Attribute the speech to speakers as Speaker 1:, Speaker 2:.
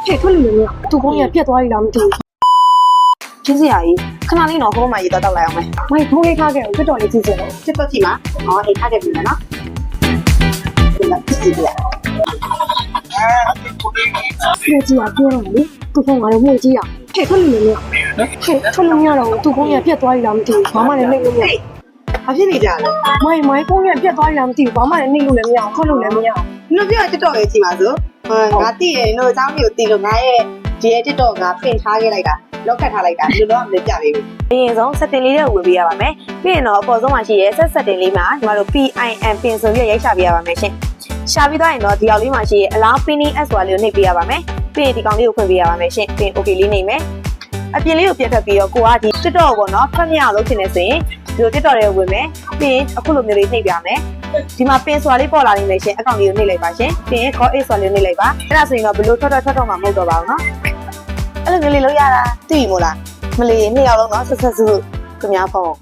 Speaker 1: ဟဲ့ထွက်လို့လည်းမရသူကုန်းရပြက်သွားပြီလားမသိဘူး
Speaker 2: ချင်းစရာကြီးခဏလေးတော့ဟိုမှာရေတောက်လိုက်အောင်မယ်
Speaker 1: မိုက်ဖုန်းလေးထားခဲ့အောင်တက်တော်လေးကြည့်စင်တော့
Speaker 2: စစ်တော့ကြည့်မှာဟောအိတ်ထားခဲ့ပြီမယ်နော်ဒီမှာကြည့်ပြရ
Speaker 1: ဖျက်ကြည့်ရပြောတော့လေသူကုန်းကလည်းမှုကြည့်ရဟဲ့ထွက်လို့လည်းမရဟဲ့ထွက်လို့မရတော့သူကုန်းရပြက်သွားပြီလားမသိဘူးဘာမှလည်းနှိမ့်လို့မရ
Speaker 2: ဘာဖြစ်နေကြလဲ
Speaker 1: မိုက်ကုန်းရပြက်သွားပြီလားမသိဘူးဘာမှလည်းနှိမ့်လို့လည်းမရထွက်လို့လည်းမရ
Speaker 2: နင်တို့ပြောတက်တော့လေကြည့်ပါစို့ငါသိရင်တို့အเจ้าမျိုးသိလို့ငါရဲ့ဒီရဲ့တက်တော့ငါပင်ထားခဲ့လိုက်တာလောက်ကတ်ထားလိုက်တာဒီလိုတော့မပြပေးဘူးအရင်ဆုံး setting လေးတွေဝင်ပေးရပါမယ်ပြီးရင်တော့အပေါ်ဆုံးမှာရှိရဲ setting လေးမှာညီမတို့ PIN ပင်ဆိုပြီးရိုက်ရှာပေးရပါမယ်ရှင်ရှာပြီးသွားရင်တော့ဒီအောက်လေးမှာရှိရဲ allow pinning as ဆိုတာလေးကိုနှိပ်ပေးရပါမယ်ပြီးရင်ဒီကောင်လေးကိုဖွင့်ပေးရပါမယ်ရှင်ပြီးရင် okay လေးနှိပ်မယ်အပြင်လေးကိုပြတ်ထွက်ပြီးတော့ကိုကဒီ TikTok ပေါ့နော်ဖတ်မြအောင်လုပ်ချင်နေဆိုရင်ဒီလို TikTok တွေကိုဝင်မယ်ပြီးရင်အခုလိုမျိုးလေးနှိပ်ပြမယ်ဒီမှာပင်ဆိုတာလေးပေါ်လာနေမယ်ရှင်အကောင့်လေးကိုနှိပ်လိုက်ပါရှင်ပြီးရင် call it ဆိုတာလေးနှိပ်လိုက်ပါအဲ့ဒါဆိုရင်တော့ဘယ်လိုထွက်တော့မှာမဟုတ်တော့ပါဘူးနော်အဲ့လိုမျိုးလေးလုပ်ရတာသိပြီမို့လားမလီ2ယောက်လုံးတော့ဆက်စုခင်ဗျားဖုန်း